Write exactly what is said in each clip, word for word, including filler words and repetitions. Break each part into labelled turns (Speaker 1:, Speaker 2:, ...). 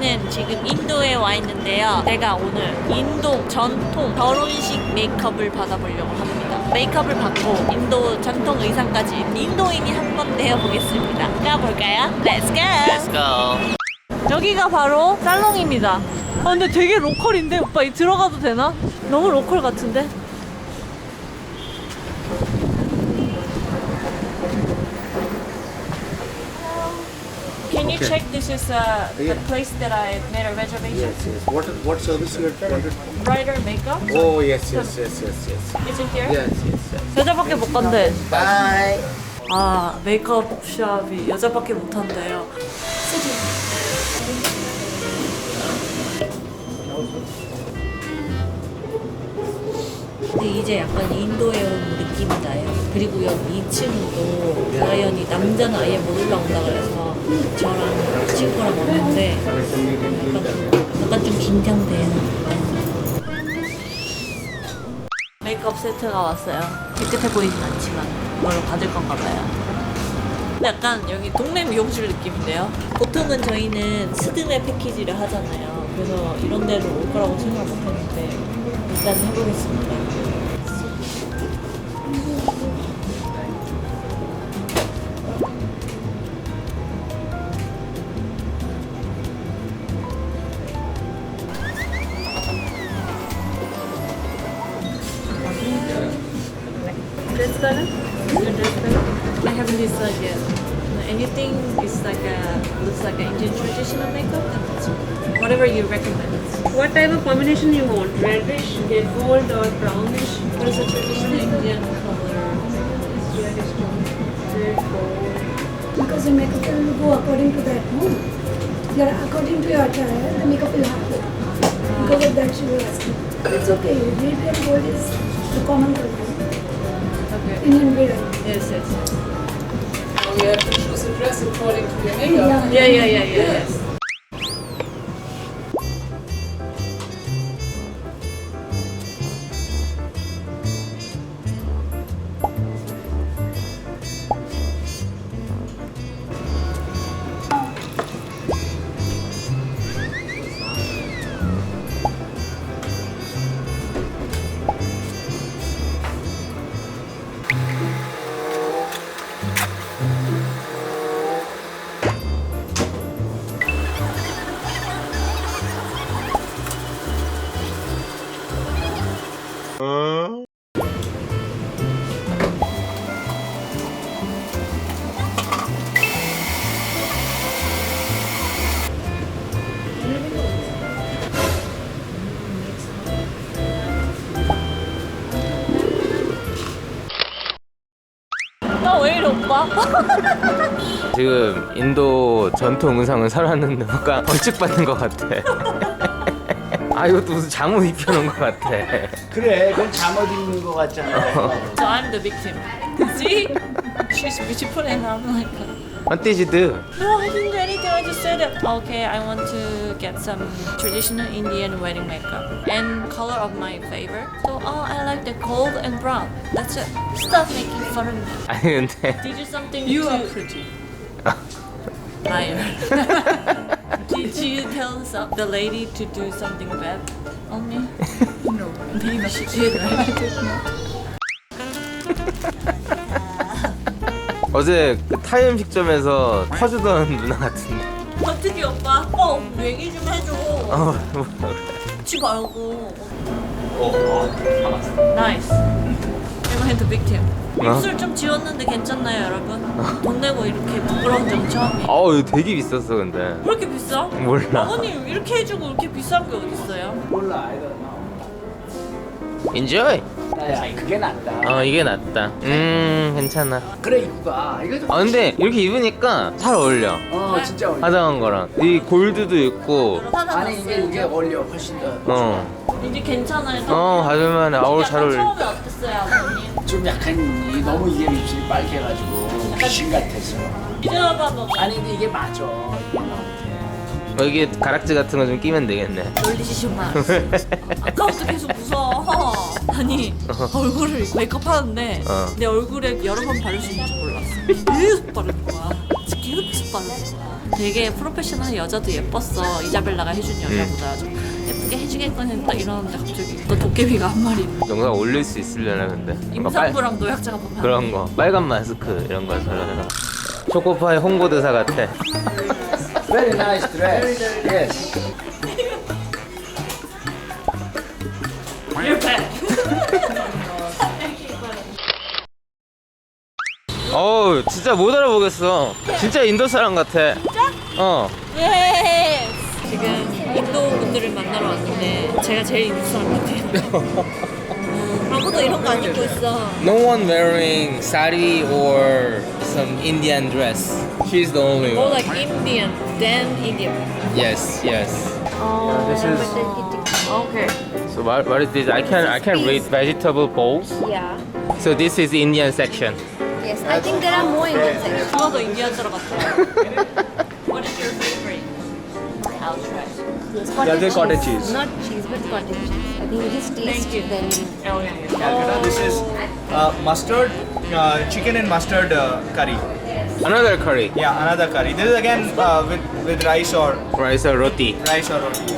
Speaker 1: 저희는 지금 인도에 와 있는데요. 제가 오늘 인도 전통 결혼식 메이크업을 받아보려고 합니다. 메이크업을 받고 인도 전통 의상까지 인도인이 한번 되어보겠습니다. 가볼까요? Let's go!
Speaker 2: Let's go.
Speaker 1: 여기가 바로 살롱입니다. 아 근데 되게 로컬인데? 오빠 이 들어가도 되나? 너무 로컬 같은데? Can you check this is uh, the place that I made a reservation?
Speaker 3: Yes, yes. What what service you wanted?
Speaker 1: Brighter makeup?
Speaker 3: Oh, yes, yes, yes, yes, yes.
Speaker 1: Is it here?
Speaker 3: Yes, yes, yes.
Speaker 1: 여자밖에 못 간대.
Speaker 3: Bye.
Speaker 1: 아 메이크업 샵이 여자밖에 못 한대요. 근데 이제 약간 인도에 온 느낌이 나요. 그리고 여기 이 층도 라이언이 남자는 아예 못 올라온다 그래서 저랑 친구랑 왔는데 약간, 약간 좀 긴장돼요. 메이크업 세트가 왔어요. 깨끗해 보이진 않지만 이걸로 받을 건가 봐요. 근데 약간 여기 동네 미용실 느낌인데요. 보통은 저희는 스드메 패키지를 하잖아요. 그래서 이런 데로 올 거라고 생각 못 했는데 일단 해보겠습니다. Dress color? Your dress color? I haven't decided yet. Anything is like a looks like an Indian traditional makeup. Whatever you recommend.
Speaker 4: What type of combination you want? Reddish, get gold or brownish?
Speaker 1: What is a traditional Indian color?
Speaker 4: Reddish tone. Red, gold.
Speaker 5: Because the makeup will go according to that, no? Your, according to your attire, the makeup will happen. Because of that, she will ask you. It's okay. Red and gold is the common color.
Speaker 1: Okay.
Speaker 5: Indian wear.
Speaker 1: Yes, yes.
Speaker 4: We have to choose a dress according to your makeup.
Speaker 5: Yeah.
Speaker 1: Yeah, yeah, yeah, yeah. Yes. 나 왜 이래 오빠?
Speaker 2: 지금 인도 전통 의상을 사놨는데 뭔가 벌칙받는 것 같아. 아 이것도 무슨 잠옷 입혀놓은 것 같아.
Speaker 3: 그래, 그건 잠옷 입는 거 같잖아.
Speaker 1: So I'm the victim. See? She's beautiful and I'm like,
Speaker 2: What did you do?
Speaker 1: no, I didn't do anything. I just said, okay, I want to get some traditional Indian wedding makeup and color of my favor. So, oh, I like the gold and brown. That's it. Stop making fun of me.
Speaker 2: 아니 근데
Speaker 1: Did you something
Speaker 4: You
Speaker 1: to...
Speaker 4: are pretty.
Speaker 1: Liar. Did you tell some, the lady to do something bad on me?
Speaker 4: No.
Speaker 1: Maybe she did, right?
Speaker 2: 어제 그 타이 음식점에서 퍼주던 누나 같은데.
Speaker 1: 어떻게 오빠? 오빠 얘기 좀 해줘.
Speaker 2: 어 뭐라 그래.
Speaker 1: 치 말고.
Speaker 2: 어,
Speaker 1: 나이스. Am I the victim?
Speaker 2: 어?
Speaker 1: 입술 좀 지웠는데 괜찮나요, 여러분? 돈 내고 이렇게 부끄러운 점 처음이에요.
Speaker 2: 어우 이거 되게 비쌌어 근데.
Speaker 1: 왜 이렇게 비싸?
Speaker 2: 몰라.
Speaker 1: 아버님 이렇게 해주고 이렇게 비싼 게 어딨어요?
Speaker 3: 몰라, I don't know.
Speaker 2: Enjoy.
Speaker 3: 야, 그게 낫다.
Speaker 2: 어 이게 낫다. 음 괜찮아.
Speaker 3: 그래, 이거가. 이거 좀.
Speaker 2: 아 근데 이렇게 입으니까 잘 어울려.
Speaker 3: 어, 진짜 어울려.
Speaker 2: 화장한 거랑 이 골드도 있고.
Speaker 3: 아니, 이게 이게 어울려, 훨씬 더.
Speaker 2: 어.
Speaker 1: 이제 괜찮아요?
Speaker 2: 어 가져만해. 아우
Speaker 1: 약간
Speaker 2: 잘 어울려.
Speaker 1: 처음에 어땠어요, 아버님?
Speaker 3: 좀 약간 이- 너무 이게 입술이 빨개가지고 귀신 같았어.
Speaker 1: 이제봐 뭐
Speaker 3: 아니, 근데 이게 맞아.
Speaker 2: 어, 이게 가락지 같은 거 좀 끼면 되겠네.
Speaker 1: 놀리시지 마. 아까부터 계속 무서워. 아니 얼굴을 메이크업 하는데
Speaker 2: 어.
Speaker 1: 내 얼굴에 여러 번 바를 수 있는지 몰랐어. 계속 바르는 거야. 계속 바르는 거야. 되게 프로페셔널한 여자도 예뻤어. 이자벨라가 해준 여자보다 좀 예쁘게 해주겠거니 딱 이러는데 갑자기 또 도깨비가 한 마리.
Speaker 2: 영상 올릴 수 있으려나 근데. 뭔가 빨-
Speaker 1: 임산부랑 노약자가 보면 안
Speaker 2: 그런 거 빨간 마스크 이런 거 설레다가 초코파이 홍보대사 같아.
Speaker 3: Very nice dress. Yes.
Speaker 2: 어우 진짜 못 알아보겠어. 진짜 인도 사람 같아. 어.
Speaker 1: 예! 지금 인도 분들을 만나러 왔는데 제가 제일 인도 사람 같아요. 아무도 이런 거 안 입고 있어.
Speaker 2: No one wearing sari or some Indian dress. She's the only
Speaker 1: More
Speaker 2: one.
Speaker 1: like Indian than Indian.
Speaker 2: Yes, yes.
Speaker 1: Oh,
Speaker 2: this is.
Speaker 1: Okay.
Speaker 2: So what, what is this? I can I can read vegetable bowls.
Speaker 6: Yeah.
Speaker 2: So this is Indian section.
Speaker 6: Yes, I think there are more Indian sections.
Speaker 1: 누가 더 인디안 들어갔어? What is your favorite? I'll try.
Speaker 6: Yeah,
Speaker 3: they're cottage cheese.
Speaker 6: Not cheese, but cottage cheese. I think it is taste
Speaker 1: you.
Speaker 6: then.
Speaker 1: Oh, yeah, yeah.
Speaker 7: Calcutta. This is uh, mustard, uh, chicken and mustard uh, curry.
Speaker 2: Another curry.
Speaker 7: Yeah, another curry. This is again uh, with with rice or
Speaker 2: Rice or roti.
Speaker 7: rice or roti.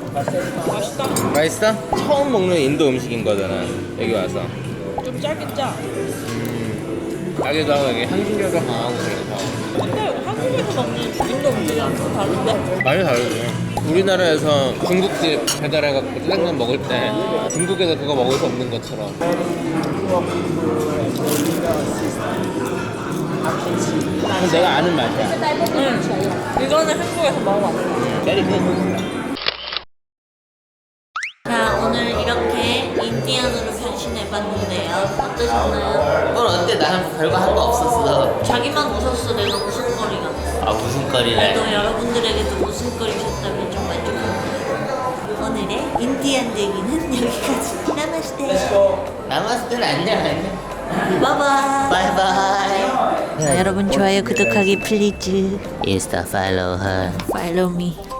Speaker 2: 맛있어? 처음 먹는 인도 음식인 거잖아. 여기 와서.
Speaker 1: 좀 짧긴 짜.
Speaker 2: 가게도 하고 여기 향신료도 강하고 그래서.
Speaker 1: 근데 한국에서 먹는 인도 음식이랑 좀 다른데?
Speaker 2: 많이 다르지. 우리나라에서 중국집 배달해갖고 짜장면 먹을 때 중국에서 그거 먹을 수 없는 것처럼. 그건 내가 아는 맛이야.
Speaker 1: 응. 이거는 한국에서 먹어봤어.
Speaker 2: 때리고.
Speaker 1: 자, 오늘 이렇게 인디안으로 변신해봤는데요. 어떠셨나요?
Speaker 2: 넌 어때? 나는 별거 한 거 없었어.
Speaker 1: 자기만 웃었어. 내가 웃음거리가.
Speaker 2: 아 무슨 거리래?
Speaker 1: 또 여러분들에게도 웃음거리셨다면 좀 만족합니다. 오늘의 인디안 대기는 여기까지. 나마스테.
Speaker 2: 남았을 안녕 안녕.
Speaker 1: 바이바이.
Speaker 2: 바이바이.
Speaker 1: 자, 여러분 좋아요, 구독하기 플리즈.
Speaker 2: 인스타 팔로우 her.
Speaker 1: Follow me.